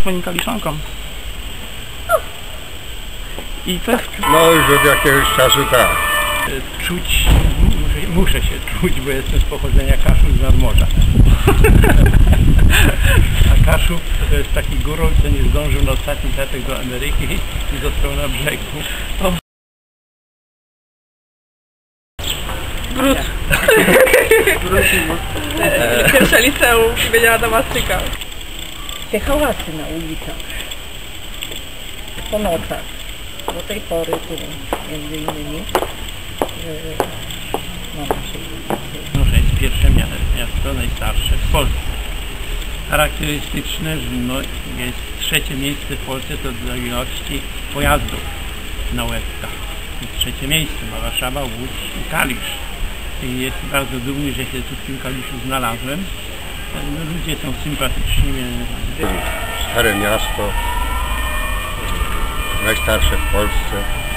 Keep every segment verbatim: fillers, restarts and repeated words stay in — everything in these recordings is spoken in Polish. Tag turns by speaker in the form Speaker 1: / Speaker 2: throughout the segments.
Speaker 1: twoim Kaliszankom. I to jest...
Speaker 2: No już od jakiegoś czasu tak.
Speaker 1: Czuć, muszę, muszę się czuć, bo jestem z pochodzenia Kaszub z nadmorza. A Kaszub to jest taki górol, co nie zdążył na ostatni statek do Ameryki i został na brzegu. O.
Speaker 3: Brud. Pierwsze liceum imienia Adama Styka.
Speaker 4: Te hałasy na ulicach, po nocach, do tej pory tu między innymi na naszej ulicy.
Speaker 1: Noże jest pierwsze miasto, najstarsze w Polsce. Charakterystyczne, że no, jest trzecie miejsce w Polsce to do ilości pojazdów na łebkach. Trzecie miejsce ma Warszawa, Łódź i Kalisz. I jest bardzo dumny, że się tu w tym Kaliszu znalazłem. No, ludzie są sympatyczni.
Speaker 2: Stare miasto, najstarsze w Polsce.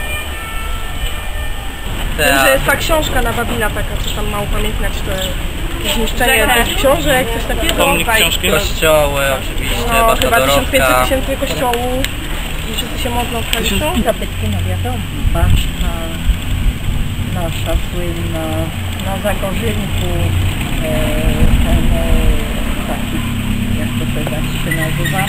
Speaker 3: Wiem, że jest ta książka na Babila taka, co tam ma upamiętniać te zniszczenie tych książek, coś takiego.
Speaker 1: Pomnik książki.
Speaker 5: Kościoły oczywiście,
Speaker 3: No,
Speaker 5: Wasza
Speaker 3: chyba tysiąc pięćset
Speaker 5: dorobka.
Speaker 3: tysięcy kościołów i wszyscy się modlą w Kaliszu.
Speaker 4: Zabytki, no wiadomo, baszta nasza słynna, na Zagorzynku, e, ten e, taki, jak to teraz się nazywa,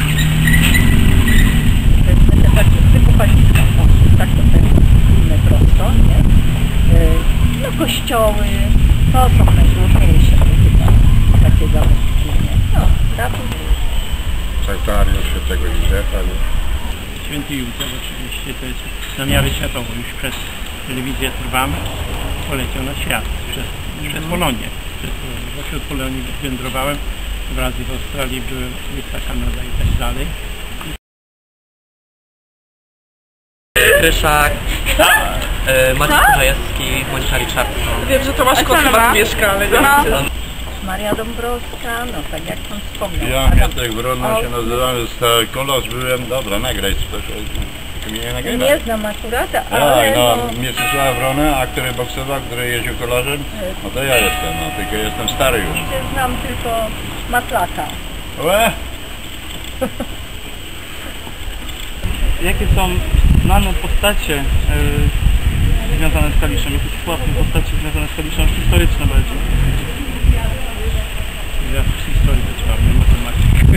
Speaker 4: to jest takie typu paliska, tak to ten inne prosto, nie? E, no kościoły, to są najróżniejsze chyba, takie zabytki, nie? No, raczej.
Speaker 2: Sanktuarium Świętego Józefa.
Speaker 1: Święty Józef oczywiście to jest na miarę światową, już przez telewizję Trwam poleciał na świat, przez, przez Polonię. Przez, wśród Polonii wędrowałem, dwa razy w Australii byłem, U S A, Kanada i tak dalej.
Speaker 5: Ryszak, e, Maciej Kurzajewski, Monika Richardson.
Speaker 3: Wiem, że Tomasz Kot chyba tu mieszka, ale nie
Speaker 4: No.
Speaker 3: wiem.
Speaker 4: Maria Dąbrowska, no tak jak pan wspomniał.
Speaker 2: Ja,
Speaker 4: Adam-
Speaker 2: Mietek Wrona się nazywamy, z kolos byłem, dobra, nagraj coś. Ty mnie nie nagrywa?
Speaker 4: Nie znam akurat, ale
Speaker 2: Tak, no,
Speaker 4: no,
Speaker 2: Mieczysław Wrona, a który boksował, który jeździł kolarzem, no to ja jestem, no, tylko jestem stary już.
Speaker 4: znam tylko Matlaka.
Speaker 2: Łe?
Speaker 1: Jakie są znane postacie yy, związane z Kaliszem? Jakieś sławne postacie związane z Kaliszem, historyczne bardziej? Ja w historii być ładny, matematyk.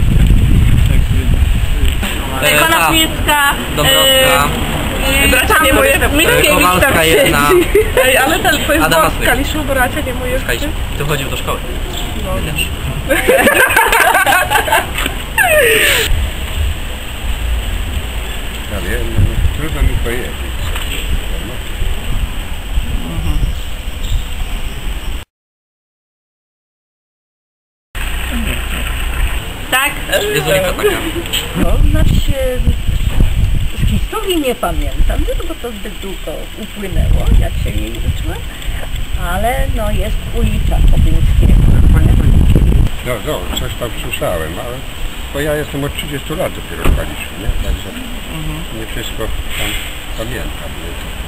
Speaker 1: Tak,
Speaker 5: E,
Speaker 3: Konopnicka,
Speaker 5: Dąbrowska,
Speaker 3: e, bracia Niemojewscy,
Speaker 5: Kowalska jedna,
Speaker 3: Ej, ale ten, to jest
Speaker 5: Adama
Speaker 3: błąd w
Speaker 5: Styka.
Speaker 3: Kaliszu, bracia Niemojewscy.
Speaker 5: Słuchajcie, tu chodził do szkoły.
Speaker 3: No.
Speaker 5: Wiesz.
Speaker 2: Ja wiem, no, trudno mi powiedzieć.
Speaker 3: Tak?
Speaker 5: Jezulika taka.
Speaker 4: No, znaczy z historii nie pamiętam, no, bo to zbyt długo upłynęło, jak się jej uczyłem, ale no jest ulica Obyńskiego.
Speaker 2: No, no, coś tam słyszałem, ale bo ja jestem od trzydziestu lat dopiero w Kaliszu, nie? Także nie wszystko tam pamiętam. Nie?